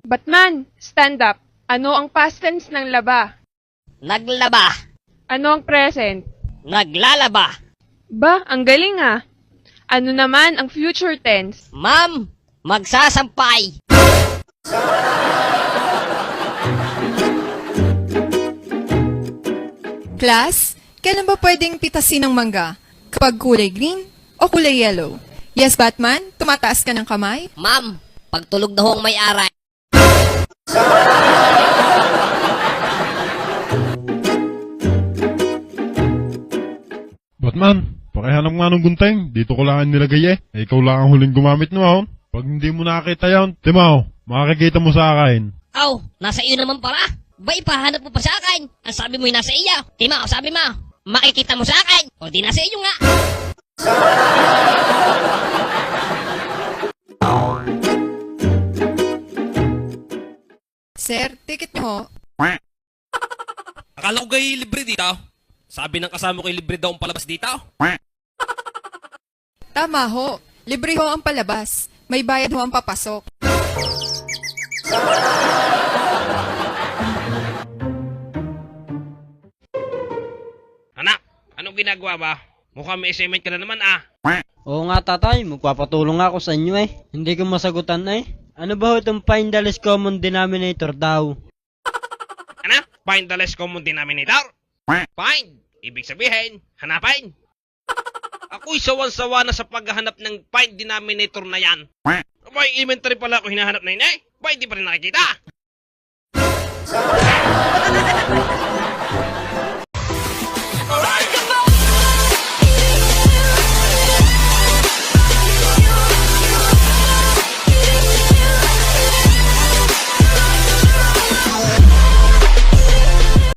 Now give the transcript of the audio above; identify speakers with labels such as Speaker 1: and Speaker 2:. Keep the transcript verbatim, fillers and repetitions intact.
Speaker 1: Batman, stand up. Ano ang past tense ng laba?
Speaker 2: Naglaba.
Speaker 1: Ano ang present?
Speaker 2: Naglalaba.
Speaker 1: Ba, ang galing ah. Ano naman ang future tense?
Speaker 2: Ma'am, magsasampay.
Speaker 3: Class, kailan ba pwedeng pitasin ng mangga? Kapag kulay green o kulay yellow? Yes, Batman, tumataas ka ng kamay?
Speaker 2: Ma'am, pagtulog na ho ang may-ari.
Speaker 4: Batman, pakihanap nga ng gunting. Dito ko lang nilagay eh. Eh, ikaw lang ang huling gumamit noon. Pag hindi mo nakita yan, Timaw, makakikita mo sa akin.
Speaker 2: Aw, nasa iyo naman pala. Ba ipahanap mo pa sa akin? Ang sabi mo'y nasa iyo. Tima, o sabi mo, makikita mo sa akin. O di nasa iyo nga.
Speaker 3: Sir, ticket niyo ho.
Speaker 5: Akala ko kayo libre dito. Sabi ng kasama ko libre daw ang palabas dito.
Speaker 3: Tama ho. Libre ho ang palabas. May bayad ho ang papasok.
Speaker 5: Anak, anong ginagawa ba? Mukhang may assignment ka na naman ah.
Speaker 6: Oo nga tatay, magpapatulong ako sa inyo eh. Hindi ko masagutan eh. Ano ba ho itong find the least common denominator daw?
Speaker 5: Ano? Find the least common denominator? Find. Ibig sabihin, hanapin. Ako'y sawan-sawa na sa paghahanap ng find denominator na yan. May elementary pala ako hinahanap na yun eh. Ba, hindi pa rin nakikita?